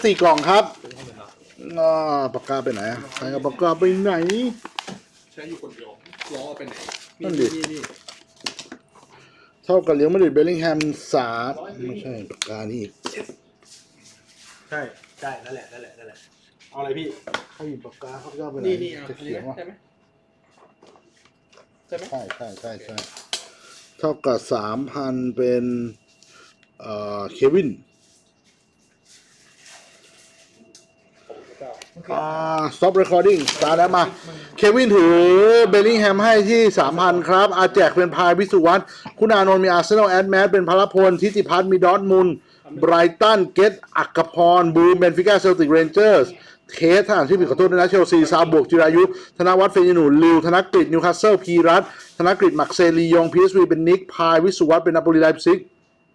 4 กล่องครับปากกาไปไหนใครเอาปากกาไปไหนใช้อยู่คนเดียวล้อไปไหนนั่นดิเท่ากับเลี้ยงมาดริดเบลลิงแฮม3ไม่ใช่ปากกานี่อีกใช่นั่นแหละเอาอะไรพี่ใครหยิบปากกาเขาจะเอาไปไหนนี่จะเขียนว่าใช่ไหมใช่เท่ากับ 3,000 เป็นเควินstop recording สตาร์ทแล้วมาเควินถือเบลลิงแฮมให้ที่ 3,000 ครับอาแจกเป็นพายวิสุวัตคุณอานนท์มีอาร์เซนอลแอดแมสเป็นพลพลทิติพัฒน์มีดอร์ทมุนด์ไบรตันเกตอักพรบูมเบนฟิก้าเซลติกเรนเจอร์สเทสทหารที่ผิดขอโทษด้วยนะเชลซีซาบวกจิรายุธนวัฒน์เฟยนูลิวธนกฤษนิวคาสเซิลพีรัตธนกฤษมักเซลียงพีเอสวีเป็นนิกพายวิสุวัตเป็นนาโปลีไลป์ซิก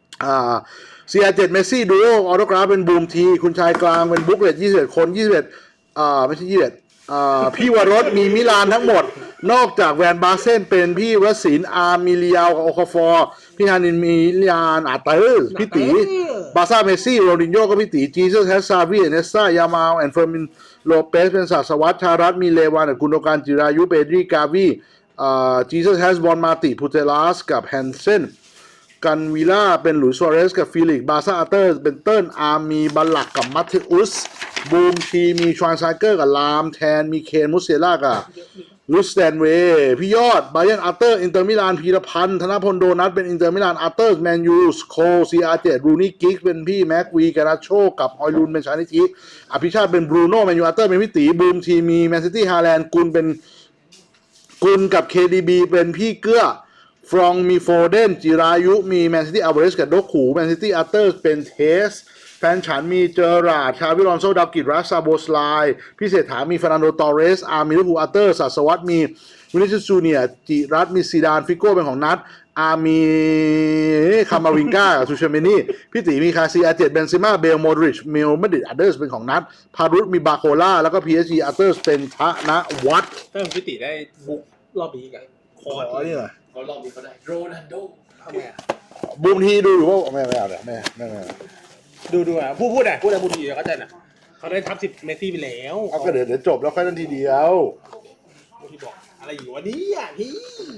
CR7 เมสซี่ดูโอออโตกราฟเป็นบูมทีคุณชายกลางเป็นบุ๊กเลต21 คน21ไม่ใช่21พี่วรสมีมิลานทั้งหมดนอกจากแวนบาเซนเป็นพี่วศินอาร์มิเลียวกับโอคาฟอร์พี่ฮานินมีลิยานอาเตอร์พี่ตีบาซ่าเมสซี่โรดินโญ่ก็พี่ตีจีซัสแฮสซาวีเนสซายามาลแอนเฟอร์มินโลเปสเป็นศาสวัตชารัตมีเลวานกุนโดการจิรายุเปดรีกาวีจีซัสแฮสบอลมาติพูเทลัสกับแฮนเซนกันวิล่าเป็นหลุยส์ซัวเรสกับฟิลิกบาซ่าอาเตอร์เป็นเติ้ลอาร์มีบัลลักกับมัตเทอุสบูมทีมีชวานไซเกอร์กับลามแทนมีเคนมุสเซล่ากับลุสแตนเวย์พี่ยอดไบรอันอาร์เตอร์อินเตอร์มิลานพีรพันธ์ธนพลโดนัทเป็นอินเตอร์มิลานอาร์เตอร์แมนยูสโคซีอาร์เจรูนี่กิกเป็นพี่แม็กวีกานาโชกับฮอยลุนเป็นชานิชิอภิชาติเป็นบรูโน่แมนยูอาร์เตอร์เป็นพี่ตีบูมทีมีแมนซิตี้ฮาแลนด์กุลเป็นกุลกับ KDB เป็นพี่เกื้อฟรองมีโฟเดนจิรายุมีแมนซิตี้อัลเวสกับโดคูแมนซิตี้อาร์เตอร์เป็นเทสแฟนฉันมีเจอราดชาวิลอนโซดาวกิจรัสซาโบสไลพิเศษถามีฟาร์นันโดตอเรสอาร์มีลิฟูอาร์เตอร์สัสวัตมีวินิชิสจูเนียจิรัตมีซีดานฟิโก้เป็นของนัทอาร์มีคามาวิงกากับซูเชเมนี่พี่ตีมีคาซีอาเจตเบนซิมาเบลโมดริชมิลมาดริดอาร์เตอร์เป็นของนัทพารุตมีบาโคล่าแล้วก็พีเอสจีอาร์เตอร์เป็นธนวัฒน์ถ้าพี่ติได้บุ๊กรอบนี้กันคอร์นี่เหรอก็รอบนี้เขาได้โรนัลโดทำไงบูมทีดูอยู่ว่าไม่เอาเลยไม่ดูอ่ะพูดอะไรบูทีเขาใจน่ะเขาได้ทับ10เมสซี่ไปแล้วเอาก็เดี๋ยวจบแล้วค่อยนั่นทีเดียวบูทีบอกอะไรอยู่วันนี้อ่ะพี่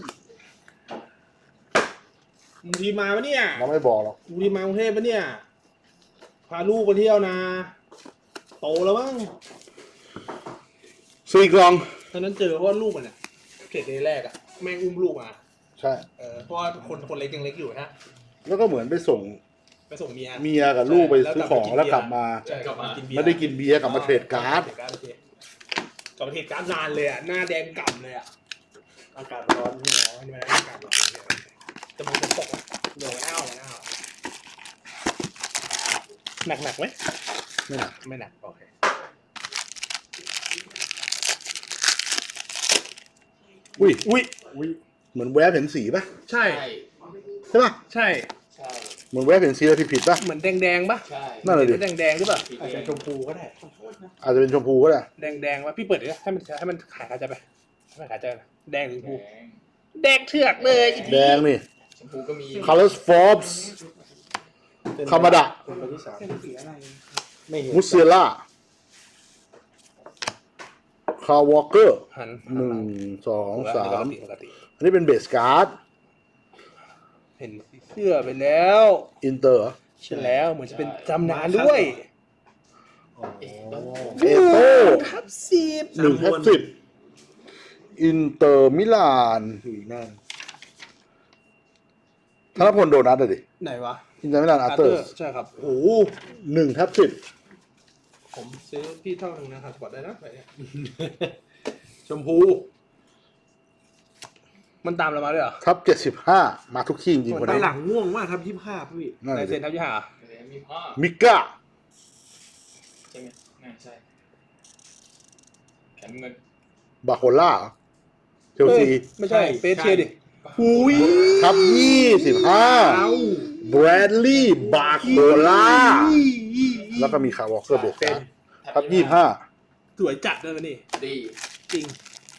บูทีมาปะเนี่ยเราไม่บอกหรอกบูทีมากรุงเทพปะเนี่ยพาลูกไปเที่ยวนะโตแล้วมั้ง 4 กล่องตอนนั้นเจอเพราะว่าลูกมันเนี่ยเกรดแรกอ่ะแม่งอุ้มลูกมาใช่เพราะว่าคนเล็กยังเล็กอยู่นะแล้วก็เหมือนไปส่งเมียกับลูกไปซื้อของแล้วกลับมาไม่ได้กินเบียร์กลับมาเทรดการ์ดกลับมาเทรดการ์ดนานเลยอ่ะหน้าแดงก่ำเลยอ่ะอากาศร้อนนี่เนาะนี่มันอากาศร้อนจะมองจะตกโดนอ้าวหนักไหมไม่หนักโอเคอุ้ยเหมือนแวบเห็นสีป่ะใช่ป่ะใช่เหมือนแวบเห็นสีแล้วผิดป่ะเหมือนแดงป่ะใช่นั่นเลยดิแดงหรือเปล่าอาจจะชมพูก็ได้อาจจะเป็นชมพูก็ได้แดงป่ะพี่เปิดดิให้มันขายใจไปให้มันขายใจแดงหรือชมพูแดงเถือกเลยแดงนี่ชมพูก็มี Colors Forbes คามาดะมุสเซล่าคาร์วอลเกอร์1 2 3อันนี้เป็นเบสการ์ดเห็นเสื้อไปแล้วอินเตอร์ใช่แล้วเหมือนจะเป็นจำนานด้วยเอโต้ทับ 10อินเตอร์มิลานธนพลโดนัทเลยดิไหนวะอินเตอร์มิลานอาร์เตอร์ใช่ครับโอ้ 1/10 ผมซื้อพี่เท่านึงนะครับกดได้นะไปชมพูมันตามเรามาด้วยเหรอทับ75มาทุกที่จริงๆคนนี้หลังง่วงมากทับ25พี่ได้เซ็นทับ 25 มิก้าใช่ไหมใช่แขนเงินบาโคล่าเชลซีไม่ใช่เปเชียดิทับ25แบรดลีย์บาโคล่าแล้วก็มีคาร์วอลเกอร์เบสการ์ดทับ25 สวยจัดด้วยมันนี่ดีจริง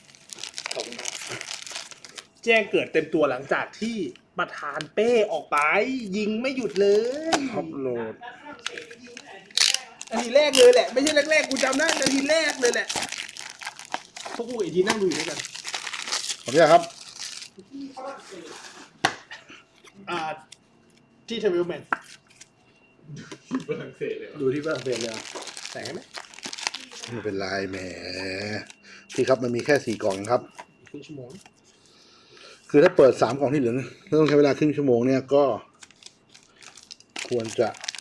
แจ้งเกิดเต็มตัวหลังจากที่ประธานเป้ออกไปยิงไม่หยุดเลยท็อปโหลดนาทีแรกเลยแหละ ไม่ใช่แรกๆกูจำได้นาทีแรกเลยแหละพวกกูอีกทีนั่งดูอยู่ด้วยกันขออนุญาตครับที่เทวิลแมนฝรั่งเศสเลยดูที่ฝรั่งเศสเลยเหรอแต่งไหมไม่เป็นไรแหมพี่ครับมันมีแค่4 กล่องครับครึ่งชั่วโมงคือถ้าเปิด3 กล่องที่เหลือต้องใช้เวลาครึ่งชั่วโมงเนี่ยก็ ควรจะ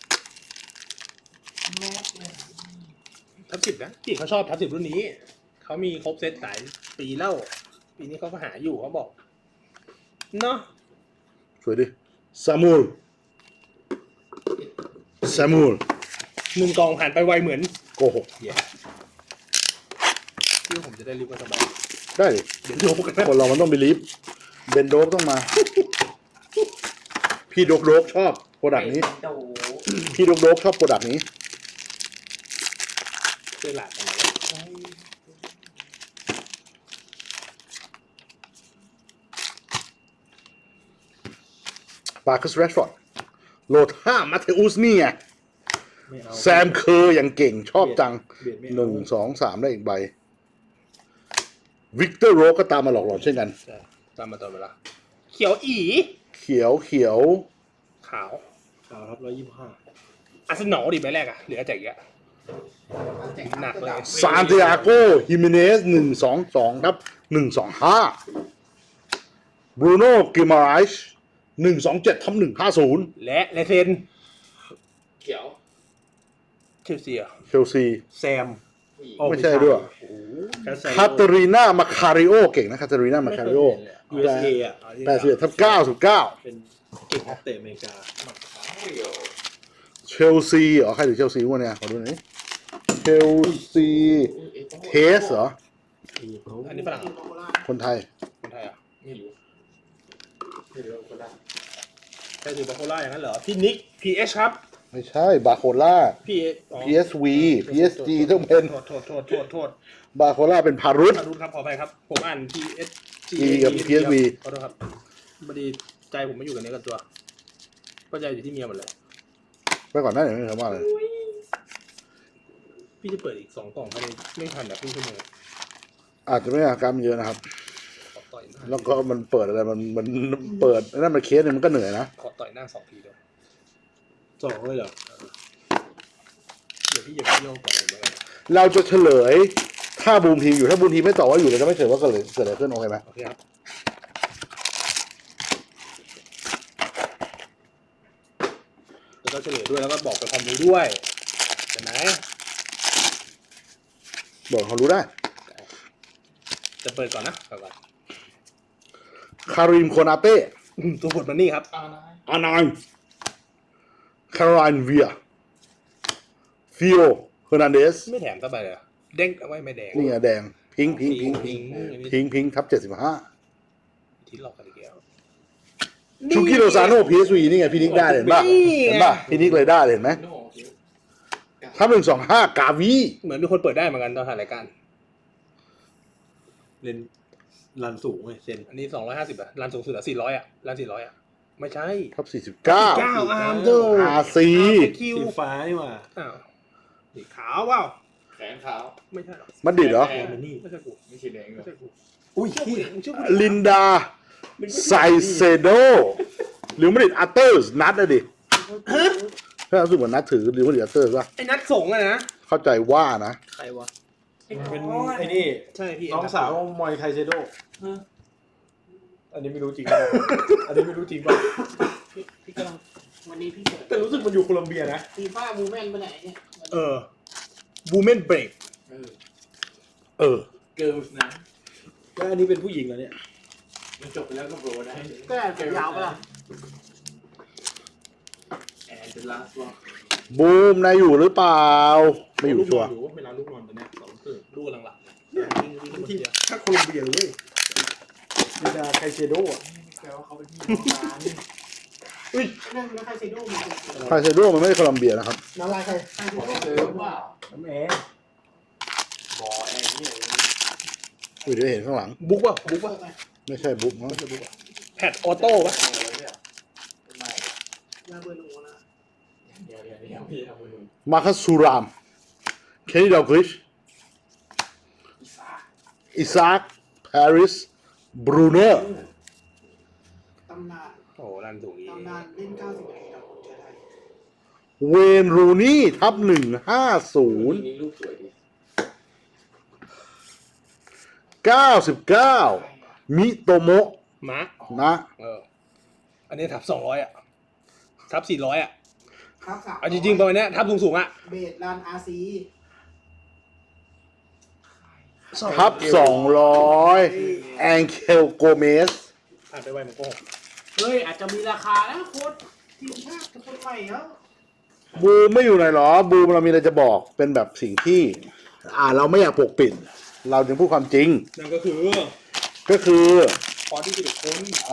ทับ10นะพี่เขาชอบทับ10รุ่นนี้เขามีครบเซตหลายปีแล้วปีนี้เขาก็หาอยู่เขาบอกเนาะสวยดิซามูล 1 กล่องผ่านไปไวเหมือนโกหกเหี้ยที่ว่าผมจะได้รีบก็สบายได้ดิเดี๋ยวดูกันนะคนเรามันต้องไปลิฟต์เบนโดกต้องมา พี่โดกชอบโปรดักต์นี้โตพี่โดกชอบโปรดักต์นี้ช่วยหลานกันหน่อยปาร์คัสแรชฟอร์ดโหลด5มาเทอุสนี่ไงไม่เอาแซมเคอร์อย่างเก่งชอบจังเบียดไม่ 1 2 3 ได้อีกใบวิกเตอร์โรก็ตามมาหลอกหลอนเช่นกันใช่ตามมาตอนเวลาเขียวอีเขียวขาวครับ125 อาร์เซนอลดิใบแรกอะเหลือแจกอีกอะหนักเลยซานติอาโกฮิเมเนส122ครับ125บรูโน่กิมาไรช127ทับ150 และเลเซนเขียวเชลซีอะเชลซีแซมไม่ใช่ด้วย คาเตอรีนามาคาริโอเก่งนะคาเตอรีนามาคาริโอ USA อ่ะ 81ทับ99 เป็นเก่งนักเตะอเมริกาเชลซีเหรอใครถือเชลซีวะเนี่ยขอดูหน่อยดิเชลซีเทสเหรออันนี้ฝรั่งคนไทยคนไทยอะไม่รู้ไม่รู้คนละใครถือบาโคล่าอย่างนั้นเหรอพี่นิก PH ครับไม่ใช่บาโคล่า PH อ๋อ PSV PSG ต้องเป็นโทษบาโคล่าเป็นพารุตขอโทษครับขออภัยครับ ผมอ่าน PSG กับ PSV ขอโทษครับพอดีใจผมไม่อยู่กับเนื้อกับตัวก็ใจอยู่ที่เมียหมดเลยไปก่อนหน้าเดี๋ยวไม่ทำว่าเลยพี่จะเปิดอีก2 กล่องภายในไม่ทันแบบครึ่งชั่วโมงอาจจะไม่อาการมันเยอะนะครับขอต่อยหน้าแล้วก็มันเปิดอะไรมันเปิดนั่นมันเคสเนี่ยมันก็เหนื่อยนะขอต่อยหน้า2 ทีเดียว 2เลยเหรอเดี๋ยวพี่อย่าไปโยกก่อนเลยแล้วกันเราจะเฉลยถ้าบูมทีมอยู่ถ้าบูมทีมไม่ตอบว่าอยู่เราจะไม่เฉลยว่าเกิดอะไรขึ้นโอเคไหมโอเคครับแล้วก็เฉลยด้วยแล้วก็บอกเป็นความรู้ด้วยเห็นไหมบอกเขารู้ได้จะเปิดก่อนนะก่อนคาริมโคนาเต้ตัวบทมันนี่ครับอานายคาร์ไลน์เวียฟิโอเฮอร์นันเดสไม่แถมสักใบเลยเหรอเด้งเอาไว้ไม่แดงนี่ไงแดงพิงทับ75 ที่หลอกกันอีกแล้วชูกิโรซาโน่ PSV นี่ไงพี่นิกได้เห็นป่ะนี่ไงเห็นป่ะพี่นิกเลยได้เห็นไหมทับ125 กาวีเหมือนมีคนเปิดได้เหมือนกันตอนถ่ายรายการเล่นรันสูงเลยเซนอันนี้250อ่ะร้านสูงสุดอ่ะ400อ่ะร้าน400อ่ะไม่ใช่ทับอาร์มเดอร์ 49 RC คิวสีฟ้านี่หว่าอ้าวสีขาวเปล่าแขนขาวไม่ใช่หรอมันดิดเหรอมันนี่ไม่ใช่กูไม่ใช่แดงหรไม่อใช่กูอุ้ยชื่อที่ผู้หญิงชื่อผู้หญิงลินดาไซเซโดหรือมันดิดอัตเตอร์นัดอะดิถ้ารู้สึกเหมือนนัดถือหรือมันดิดอัตเตอร์ป่ะไอ้นัดส่งอะนะเข้าใจว่านะใครวะเป็นไอ้นี่ใช่พี่น้องสาวมอยไคเซโดอันนี้ไม่รู้จริงป่ะอันนี้ไม่รู้จริงป่ะพี่กำลังวันนี้พี่เปิดแต่รู้สึกมันอยู่โคลัมเบียนะฟีฟ่าวูแมนไปไหนเนี่ยบูเมนเบรกเออเกิร์ลส์นะแล้วอันนี้เป็นผู้หญิงเหรอเนี่ยมันจบไปแล้วก็โบรได้ก็ผมยาวปะล่ะแอนเดลัสวะบูมนายอยู่หรือเปล่า ไม่อยู่ชัวร์อยู่เวลาลูกนอนตอนเนี้ย2 ครึ่งลูกกำลังหลับวิ่งคนที่เดียวถ้าโคลัมเบียเลยลินดาไคเซโดอ่ะแปลว่าเขาเป็นพี่น้องกันนั่นแล้วใครเซโดมันเป็นไคเซโดมันไม่ได้โคลัมเบียนะครับน้ำลายใครใครเซโดเป็นว่าน้ำแอร์บอแอร์เนี่ยเดี๋ยวเห็นข้างหลังบุ๊กป่ะบุ๊กป่ะไม่ใช่บุ๊กมั้งแพดออโต้ป่ะลาเบอร์นูนะเดี๋ยวพี่ทำมือมาคัสซูรามเคนนี่ดาวกริช อิซากปาริสบรูโน่ตำนานโอ้รันสูงอีกตำนานเล่น90นาทีกับคนเชื้อไทยเวนรูนี่ทับ150 นี่รูปสวยดี 99 มิโตโมะมะนะอันนี้ทับ200อ่ะทับ400อ่ะครับ3 เอาจริงๆประมาณเนี้ยทับสูงๆอ่ะเบสรันอาซีทับ200 แองเคลโกเมสอ่านไปไวมันโกหกเฮ้ยอาจจะมีราคานะโค้ดทีมชาติกับคนใหม่แล้วบูมไม่อยู่ไหนหรอ บูมเรามีอะไรจะบอกเป็นแบบสิ่งที่ เราไม่อยากปกปิด เราจึงพูดความจริงนั่นก็คือก็คือพอที่11คน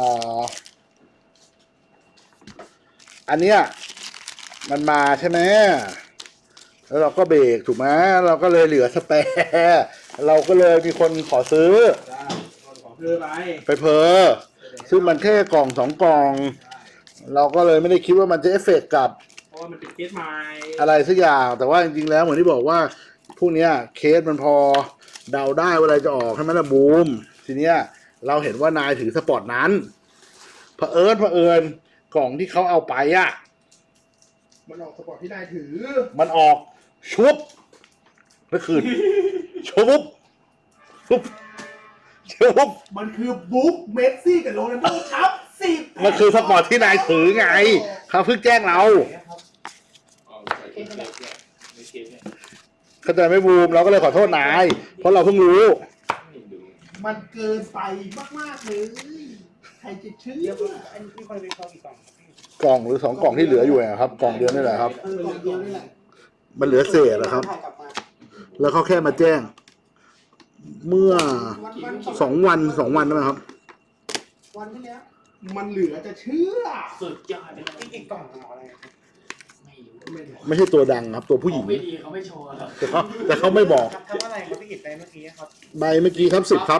อันเนี้ยมันมาใช่ไหมแล้วเราก็เบรกถูกไหมเราก็เลยเหลือสแปร์เราก็เลยมีคนขอซื้อได้ขอเพื่อไปไปเพอซึ่งมันแค่กล่อง2 กล่อง เราก็เลยไม่ได้คิดว่ามันจะเอฟเฟกต์กับเพราะว่ามันเป็นเคสใหม่อะไรสักอย่าง แต่ว่าจริงๆแล้วเหมือนที่บอกว่าพวกเนี้ยเคสมันพอเดาได้ว่าอะไรจะออกใช่ไหมล่ะบูม ทีเนี้ยเราเห็นว่านายถือสปอร์ตนั้นเผอิญกล่องที่เขาเอาไปอ่ะมันออกสปอร์ตที่ได้ถือมันออกชุบเมื่อคืนชุบชุบชุบมันคือบุ๊กเมสซี่กับโรนัลโดทับ10 มันคือสปอร์ตที่นายถือไงเขาเพิ่งแจ้งเราอ๋อใส่เคสเนี่ยในเคสเนี่ยเข้าใจไหมบูมเราก็เลยขอโทษนาย เพราะเราเพิ่งรู้ไม่ดูมันเกินไปมากๆเลยใครจะเชื่ออันนี้คนเป็นกองอีกกล่องกล่องหรือ2 กล่องที่เหลืออยู่อะครับกล่องเดียวนี่แหละครับกล่องเดียวนี่แหละมันเหลือเศษนะครับถ่ายกลับมาแล้วเขาแค่มาแจ้ง เมื่อวัน 2 วันนะครับวันที่แล้วมันเหลือจะเชื่อสุดยอดเลยอีกกล่องเอาอะไรไม่รู้ไม่ใช่ตัวดังครับ ตัวผู้หญิงไม่ดีเขาไม่โชว์หรอกแต่เขาไม่บอกทำอะไรครับพี่กิตไปเมื่อกี้ครับใบเมื่อกี้ครับ10 ครับ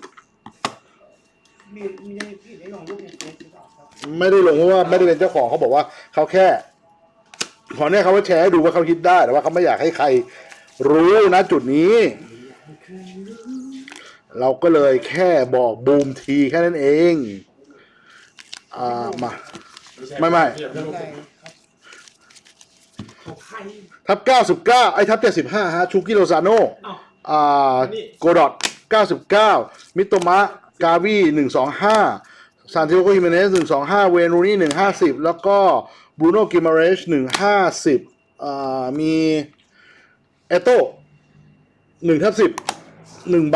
มีพี่กิตได้ลงรูปในเฟซหรือเปล่าครับไม่ได้ลงเพราะว่าไม่ได้เป็นเจ้าของเขาบอกว่าเขาแค่ขอเนี่ยเขาว่าแชร์ให้ดูว่าเขาคิดได้แต่ว่าเขาไม่อยากให้ใครรู้นะจุดนี้ เราก็เลยแค่บอกบูมทีแค่นั้นเองมา ไม่อะไรครับของใครทับ99ไอ้ทับ75ฮะชูกิโลซาโนอ้าวโกดอต99 มิโตมะ กาวี125 ซานติโอโกฮิเมเนส125 เวนูนี่150 แล้วก็บรูโน่กิมาเรช150มีเอโต้1/10 1 ใบ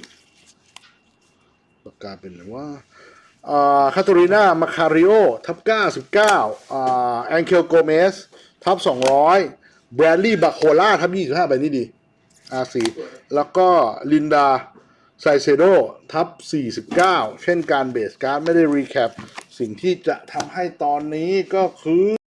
ปากกาเป็นหรือว่าคาโตริน่า มาคาริโอ ทับ99แองเคลโกเมส ทับ200 แบรดลีย์ บาโคล่า ทับ25 ใบนี้ดี R4 แล้วก็ลินดา ไซเซโด ทับ49 เช่นการเบสการ์ดไม่ได้รีแคปสิ่งที่จะทำให้ตอนนี้ก็คือ